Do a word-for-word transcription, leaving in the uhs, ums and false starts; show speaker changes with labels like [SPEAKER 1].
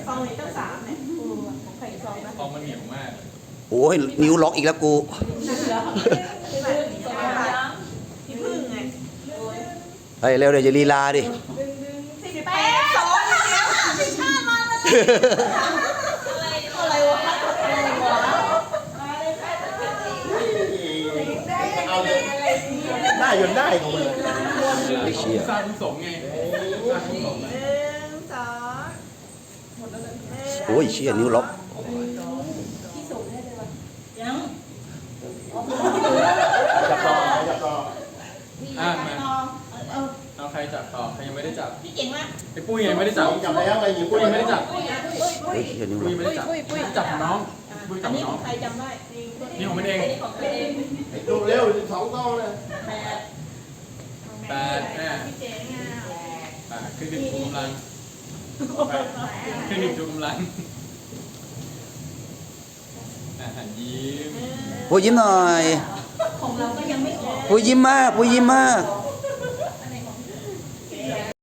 [SPEAKER 1] ซองนี้ตั้งสามเนี่ยของใครซองนะ
[SPEAKER 2] ซองมันเหนียวมาก
[SPEAKER 3] โอ้ยนิ้วล็อกอีกแล้วกู
[SPEAKER 1] พี่พึ่งไง
[SPEAKER 3] เฮ้ยเร็วเดี๋ยวจะลีลาดิ
[SPEAKER 1] สิบแปดสองเดียวสิบห้ามาแล้วอะไรวะ
[SPEAKER 4] เอาเลยได้ยนได้ของมัน
[SPEAKER 3] ไม่เชี่ย
[SPEAKER 2] สร้างสมไงสร้างสม
[SPEAKER 1] หนึ่งสองหมดแล้วเลย
[SPEAKER 3] โอ้ยเชี่ยนิ้วล็อก
[SPEAKER 1] ยัง
[SPEAKER 4] จับต่อจับต่อ
[SPEAKER 2] อ่ะมา
[SPEAKER 1] เอา
[SPEAKER 2] เอาใครจับต่อใครยังไม่ได้จับ
[SPEAKER 1] พี่เก่งมาก
[SPEAKER 2] ไอ้ปุ้ยยังไม่ได้จับ
[SPEAKER 4] จับแล้วไปหยิบ
[SPEAKER 2] ปุ้ยยังไม่ได้จับ
[SPEAKER 1] ปุ้ยอ่ะปุ้ยปุ้
[SPEAKER 3] เฮ้
[SPEAKER 1] ย
[SPEAKER 3] ยเชี่ยนิ้ว
[SPEAKER 2] ปุ้
[SPEAKER 3] ล็
[SPEAKER 2] ย
[SPEAKER 3] อก
[SPEAKER 2] ไม่ได้จับจับของน้องปุ้ย
[SPEAKER 1] อั
[SPEAKER 2] จั
[SPEAKER 1] น
[SPEAKER 2] บ
[SPEAKER 1] นี้
[SPEAKER 2] น้
[SPEAKER 1] ข
[SPEAKER 2] อ
[SPEAKER 1] อง งใครจำได้
[SPEAKER 2] นี่ของมันเอง
[SPEAKER 1] อันนี้ของตัวเอง
[SPEAKER 4] ดูเร็วสองต้องเลย
[SPEAKER 1] แปด
[SPEAKER 2] แปดแม่
[SPEAKER 1] พี่เจ๋งอ่ะ
[SPEAKER 2] แปดขึ้นหนึ่งชูกำลังแปดขึ้นหนึ่งชูกำลังอาหารยิ้ม
[SPEAKER 3] ปุ้ยยิ้มหน่อย
[SPEAKER 1] ของเราก็ยังไม่ออก
[SPEAKER 3] ปุ้ยยิ้มมากปุ้ยยิ้มมาก
[SPEAKER 1] ส